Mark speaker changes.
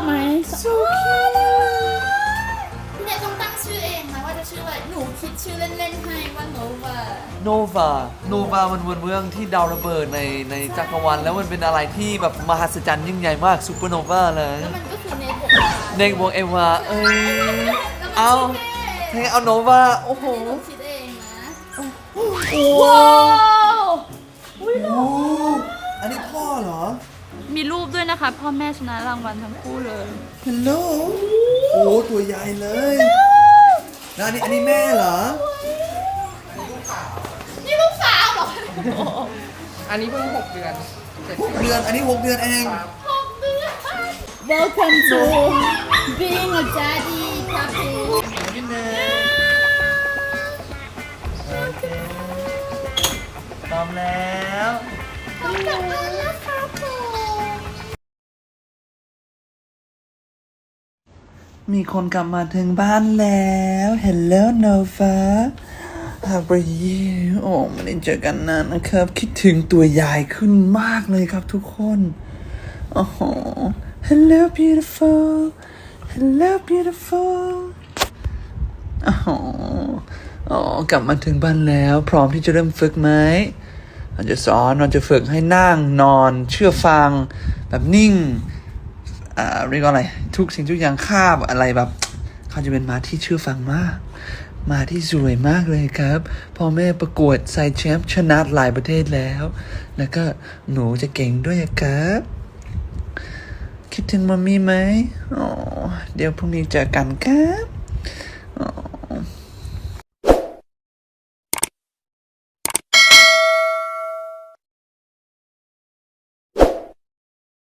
Speaker 1: ไหม
Speaker 2: so cute
Speaker 1: พี่เนยต้องตั้งชื่อเองนะว่าจะชื่ออะไรหนูคิดชื่อเล่นๆให้ว่าโนวา
Speaker 2: โนวามันเป็นเมืองที่ดาวระเบิดในจักรวาลแล้วมันเป็นอะไรที่แบบมหัศจรรย์ยิ่งใหญ่มากซูเปอร์โนวาเลย
Speaker 1: แล้วมันก็คือเนยบวก
Speaker 2: ในวงเอวาเอ้ยเอาเทเอาโนวาโอ้โห
Speaker 1: หนูคิดเองนะ
Speaker 2: ว้าว
Speaker 1: อุ้ย
Speaker 2: โอ้อันนี้พ่อเหรอ
Speaker 1: มีรูปด้วยนะคะพ่อแม่ชนะรางวัลทั้งคู่เลย
Speaker 2: ฮัลโหลโอ้ตัวใหญ่เลยแล้วอันนี้แม่เหรอ
Speaker 1: นี่ลูกสาวเหรอ
Speaker 3: อันนี้เพิ่ง6 เดือน
Speaker 2: 6 เดือนอันนี้6 เดือนเอง
Speaker 1: 6 เดือน Welcome to being a daddy puppy
Speaker 2: พี่เนยโอเคพร้อมแล้ว
Speaker 1: พร้อมกับมาแล้วครับผม
Speaker 2: มีคนกลับมาถึงบ้านแล้ว Hello Nova How are you โอ้ไม่ได้เจอกันนานนะครับ คิดถึงตัวใหญ่ขึ้นมากเลยครับทุกคนโอ้โห Hello beautiful Hello beautiful โอ้โหอ๋อกลับมาถึงบ้านแล้ว พร้อมที่จะเริ่มฝึกไหมเราจะสอนเราจะฝึกให้นั่งนอนเชื่อฟังแบบนิ่งเรียกว่าอะไรทุกสิ่งทุกอย่างคาบอะไรแบบเขาจะเป็นม้าที่เชื่อฟังมากม้าที่สวยมากเลยครับพ่อแม่ประกวดไซแชมป์ชนะหลายประเทศแล้วแล้วก็หนูจะเก่งด้วยครับคิดถึงมัมมี่ไหมอ๋อเดี๋ยวพรุ่งนี้เจอกันครับ